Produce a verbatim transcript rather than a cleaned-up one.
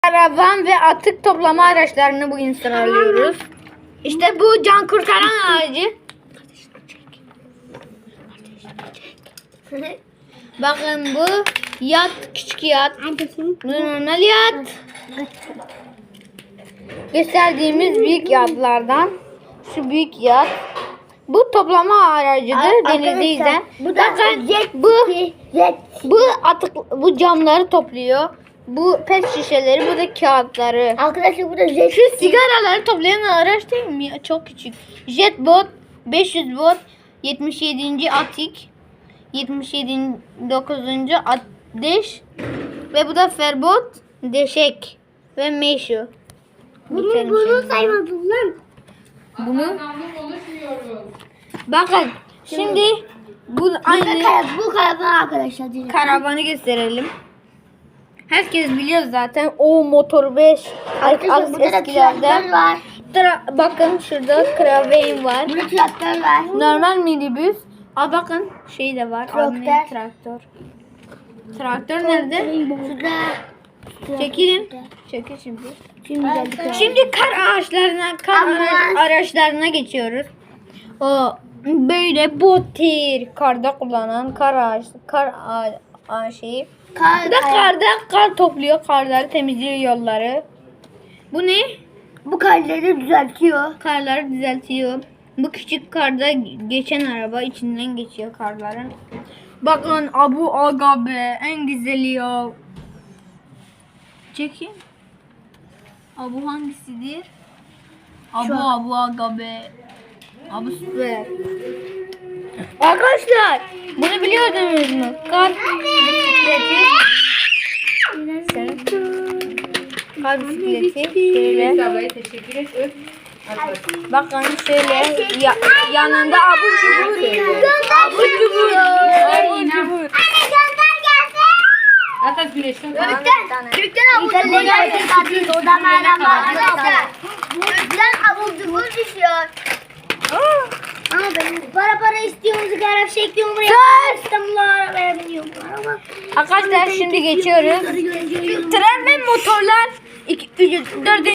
karavan ve atık toplama araçlarını bugün sıralıyoruz. İşte bu can kurtaran aracı. Bakın bu yat, küçük yat. Bu normal yat. Gösterdiğimiz büyük yatlardan şu büyük yat. Bu toplama aracıdır denizde. Bu da jet bu jet. bu atık bu camları topluyor. Bu pet şişeleri, bu da kağıtları. Arkadaşlar bu da jet. Şu sigaraları toplayan araç değil mi? Çok küçük. Jetbot, beş yüz bot, yetmiş yedinci atik, yetmiş yedinci dokuzuncu ateş ve bu da ferbot, deşek ve meşu. Bunu bunu saymadım lan. Bunu bakın şimdi bu aynı Bu, bu karavan arkadaşlar. Değil. karavanı gösterelim. Herkes biliyor zaten o motor beş Arkadaşlar burada da eskilerde. traktör var. Tra- bakın şurada Kraven var. Burada traktör var. Normal minibüs. Aa bakın şey de var. Traktör. Traktör. Traktör. Traktör nerede? Şurada. Çekilin. Çekil şimdi. Şimdi geldik. Şimdi kar ağaçlarına, kar Ambulans. ara- araçlarına geçiyoruz. O böyle botir karda kullanan kar ağaç, kar ağa, ağa şeyi. Kar, Bu da karda kar topluyor, karları temizliyor, yolları. Bu ne? Bu karları düzeltiyor. Karları düzeltiyor. Bu küçük karda geçen araba içinden geçiyor karların. Bakın Abu Aga be, en güzeli ya. Çekin. Abu hangisidir? Abu Abu Aga be. Abu süper. Arkadaşlar bunu biliyordunuz mu? Kar bisikleti. Sen- Kar bisikleti şöyle. Ablaya teşekkür et. Öp. Hadi bakalım. Bakın şöyle ya, yanında abur cubur. Abur cubur. Abur cubur. Hatta güneşten Türkten, Türkten abur cubur geldi. Odan hala arkadaşlar. Türkten abur cubur düşüyor. Ama benim para para istiyorum, sigara bir şey istiyorum. İstanbul'a arabaya biniyorum. Araba. Arkadaşlar şimdi geçiyoruz. Tren ve motorlar iki, üç, dört